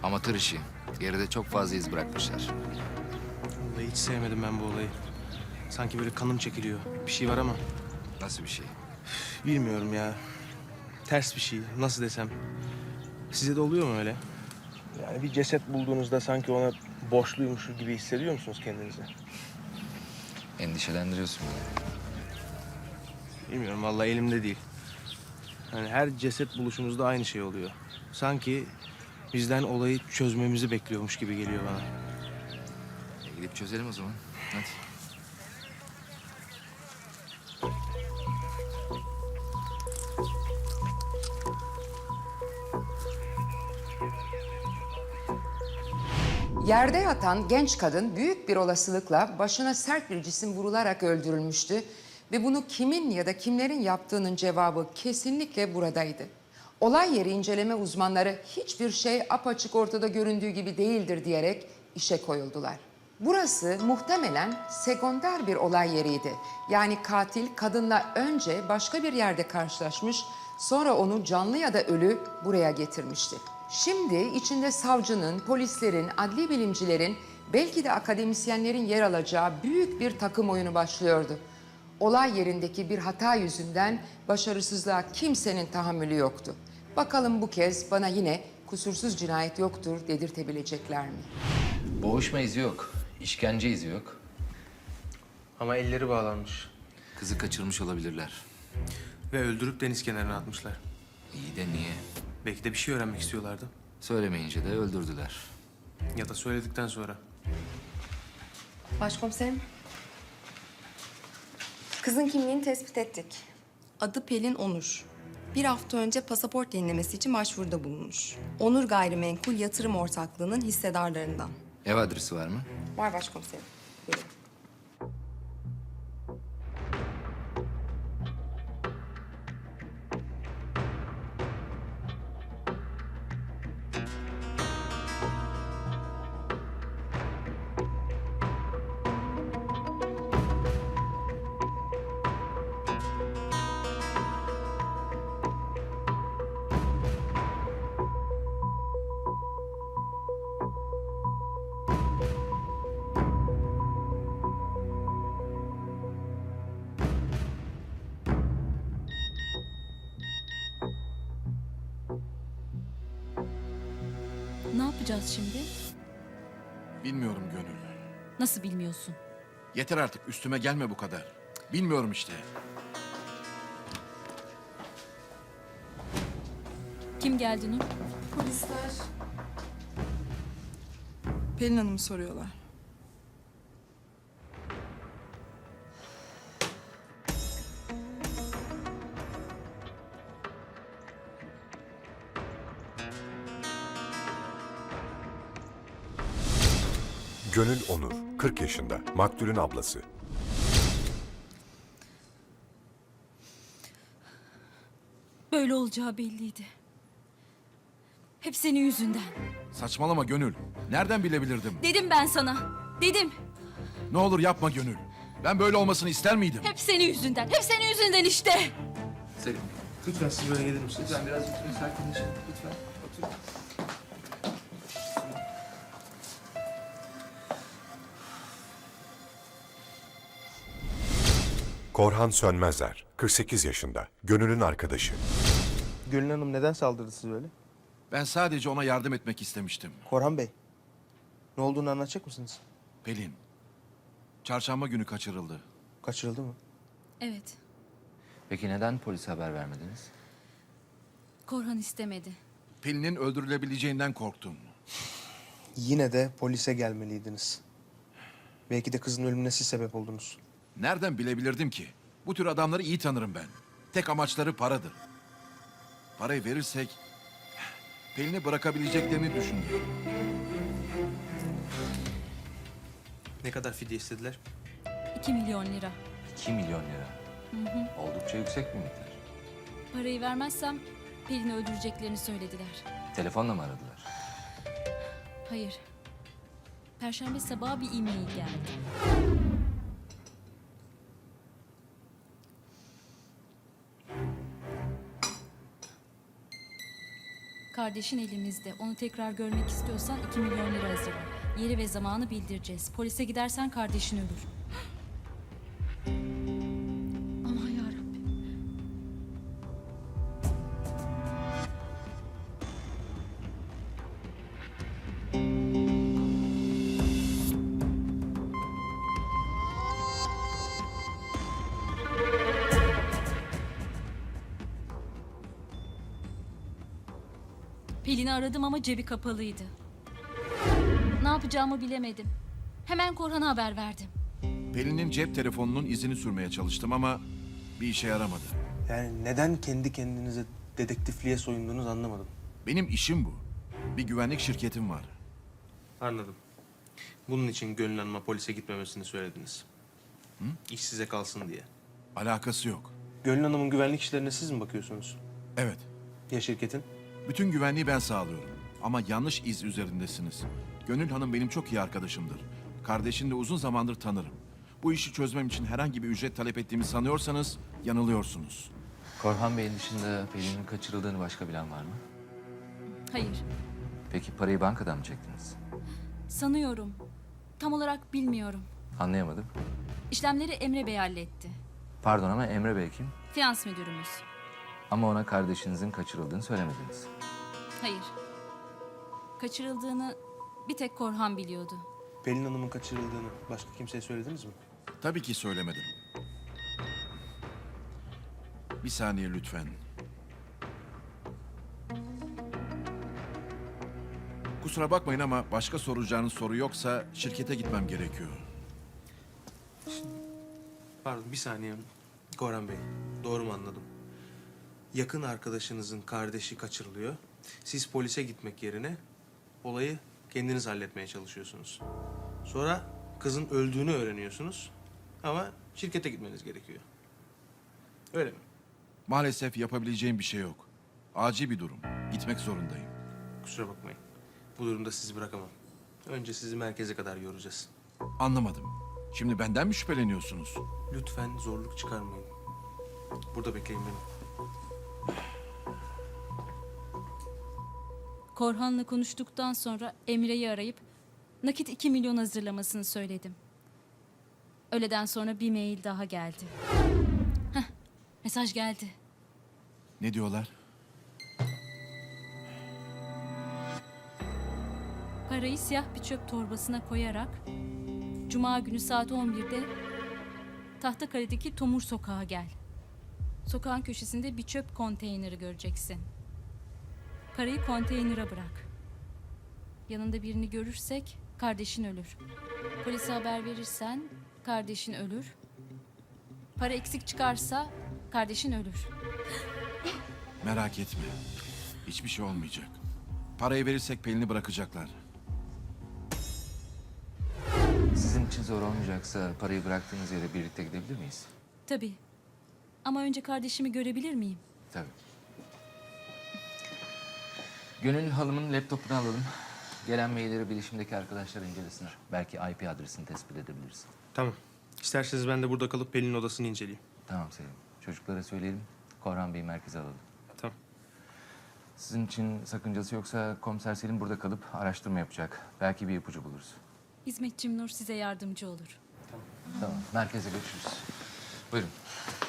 Amatör işi. Geride çok fazla iz bırakmışlar. Vallahi hiç sevmedim ben bu olayı. Sanki böyle kanım çekiliyor. Bir şey var ama Nasıl bir şey? bilmiyorum ya. Ters bir şey. Nasıl desem. Size de oluyor mu öyle? Yani bir ceset bulduğunuzda sanki ona borçluymuşuz gibi hissediyor musunuz kendinizi? Endişelendiriyorsun beni. Bilmiyorum vallahi elimde değil. Yani her ceset buluşumuzda aynı şey oluyor. Sanki bizden olayı çözmemizi bekliyormuş gibi geliyor bana. Gidip çözelim o zaman. Hadi. Yerde yatan genç kadın büyük bir olasılıkla başına sert bir cisim vurularak öldürülmüştü ve bunu kimin ya da kimlerin yaptığının cevabı kesinlikle buradaydı. Olay yeri inceleme uzmanları hiçbir şey apaçık ortada göründüğü gibi değildir diyerek işe koyuldular. Burası muhtemelen sekonder bir olay yeriydi. Yani katil kadınla önce başka bir yerde karşılaşmış, sonra onu canlı ya da ölü buraya getirmişti. Şimdi içinde savcının, polislerin, adli bilimcilerin, belki de akademisyenlerin yer alacağı büyük bir takım oyunu başlıyordu. Olay yerindeki bir hata yüzünden başarısızlığa kimsenin tahammülü yoktu. Bakalım bu kez bana yine kusursuz cinayet yoktur dedirtebilecekler mi? Boğuşma izi yok. İşkence izi yok. Ama elleri bağlanmış. Kızı kaçırmış olabilirler. Ve öldürüp deniz kenarına atmışlar. İyi de niye? Belki de bir şey öğrenmek istiyorlardı. Söylemeyince de öldürdüler. Ya da söyledikten sonra. Başkomiserim. Kızın kimliğini tespit ettik. Adı Pelin Onur. Bir hafta önce pasaport yenilemesi için başvuruda bulunmuş. Onur Gayrimenkul Yatırım Ortaklığı'nın hissedarlarından. Ev adresi var mı? Var başkomiserim. Buyurun. Ne yapacağız şimdi? Bilmiyorum Gönül. Nasıl bilmiyorsun? Yeter artık üstüme gelme bu kadar. Bilmiyorum işte. Kim geldi Nur? Polisler Pelin Hanım'ı soruyorlar. Gönül Onur, 40 yaşında, maktulün ablası. Böyle olacağı belliydi. Hep senin yüzünden. Saçmalama Gönül. Nereden bilebilirdim? Dedim ben sana. Dedim. Ne olur yapma Gönül. Ben böyle olmasını ister miydim? Hep senin yüzünden. Hep senin yüzünden işte. Selim. Lütfen siz böyle gelir misiniz? Lütfen biraz sakinleşin. Lütfen. Otur. Korhan Sönmezer, 48 yaşında, Gönül'ün arkadaşı. Gülün Hanım neden saldırdı size böyle? Ben sadece ona yardım etmek istemiştim. Korhan Bey, ne olduğunu anlatacak mısınız? Pelin. Çarşamba günü kaçırıldı. Kaçırıldı mı? Evet. Peki neden polise haber vermediniz? Korhan istemedi. Pelin'in öldürülebileceğinden korktum. Yine de polise gelmeliydiniz. Belki de kızın ölümüne siz sebep oldunuz. Nereden bilebilirdim ki? Bu tür adamları iyi tanırım ben. Tek amaçları paradır. Parayı verirsek Pelin'i bırakabileceklerini düşündüm. Ne kadar fidye istediler? 2 milyon lira. 2 milyon lira. Oldukça yüksek bir miktar. Parayı vermezsem Pelin'i öldüreceklerini söylediler. Telefonla mı aradılar? Hayır. Perşembe sabahı bir e-mail geldi. Kardeşin elimizde. Onu tekrar görmek istiyorsan 2 milyon lira hazırla. Yeri ve zamanı bildireceğiz. Polise gidersen kardeşin ölür. Aman yarabbim. Pelin'i aradım ama cebi kapalıydı. Ne yapacağımı bilemedim. Hemen Korhan'a haber verdim. Pelin'in cep telefonunun izini sürmeye çalıştım ama bir işe yaramadı. Yani neden kendi kendinize dedektifliğe soyundunuz anlamadım. Benim işim bu. Bir güvenlik şirketim var. Anladım. Bunun için Gönül Hanım'a polise gitmemesini söylediniz. İş size kalsın diye. Alakası yok. Gönül Hanım'ın güvenlik işlerine siz mi bakıyorsunuz? Evet, Ya şirketin? bütün güvenliği ben sağlıyorum. Ama yanlış iz üzerindesiniz. Gönül Hanım benim çok iyi arkadaşımdır. Kardeşini de uzun zamandır tanırım. Bu işi çözmem için herhangi bir ücret talep ettiğimi sanıyorsanız yanılıyorsunuz. Korhan Bey'in dışında Pelin'in kaçırıldığını başka bilen var mı? Hayır, Peki parayı bankadan mı çektiniz? sanıyorum. Tam olarak bilmiyorum. Anlayamadım. İşlemleri Emre Bey halletti. Pardon ama Emre Bey kim? Finans müdürümüz. Ama ona kardeşinizin kaçırıldığını söylemediniz. Hayır. Kaçırıldığını bir tek Korhan biliyordu. Pelin Hanım'ın kaçırıldığını başka kimseye söylediniz mi? Tabii ki söylemedim. Bir saniye lütfen. Kusura bakmayın ama başka soracağınız soru yoksa şirkete gitmem gerekiyor. Pardon bir saniye. Korhan Bey, doğru mu anladım? Yakın arkadaşınızın kardeşi kaçırılıyor. Siz polise gitmek yerine olayı kendiniz halletmeye çalışıyorsunuz. Sonra kızın öldüğünü öğreniyorsunuz ama şirkete gitmeniz gerekiyor. Öyle mi? Maalesef yapabileceğim bir şey yok. Acil bir durum. Gitmek zorundayım. Kusura bakmayın. Bu durumda sizi bırakamam. Önce sizi merkeze kadar yoracağız. Anlamadım. Şimdi benden mi şüpheleniyorsunuz? Lütfen zorluk çıkarmayın. Burada bekleyin beni. Korhan'la konuştuktan sonra Emre'yi arayıp nakit 2 milyon hazırlamasını söyledim. Öğleden sonra bir mail daha geldi. Heh, mesaj geldi. Ne diyorlar? Parayı siyah bir çöp torbasına koyarak Cuma günü saat 11'de Tahtakale'deki Tomur Sokağa gel. Sokağın köşesinde bir çöp konteyneri göreceksin. Parayı konteynere bırak. Yanında birini görürsek kardeşin ölür. Polise haber verirsen kardeşin ölür. Para eksik çıkarsa kardeşin ölür. Merak etme. Hiçbir şey olmayacak. Parayı verirsek Pelin'i bırakacaklar. Sizin için zor olmayacaksa parayı bıraktığınız yere birlikte gidebilir miyiz? Tabii. Ama önce kardeşimi görebilir miyim? Tabii. Gönül Hanım'ın laptopunu alalım. Gelen mailleri bilişimdeki arkadaşlar incelesinler. Belki IP adresini tespit edebiliriz. Tamam. İsterseniz ben de burada kalıp Pelin'in odasını inceleyeyim. Tamam Selim. Çocuklara söyleyelim. Korhan Bey'i merkeze alalım. Tamam. Sizin için sakıncası yoksa komiser Selim burada kalıp araştırma yapacak. Belki bir ipucu buluruz. Hizmetçim Nur size yardımcı olur. Tamam. Merkeze görüşürüz. Buyurun.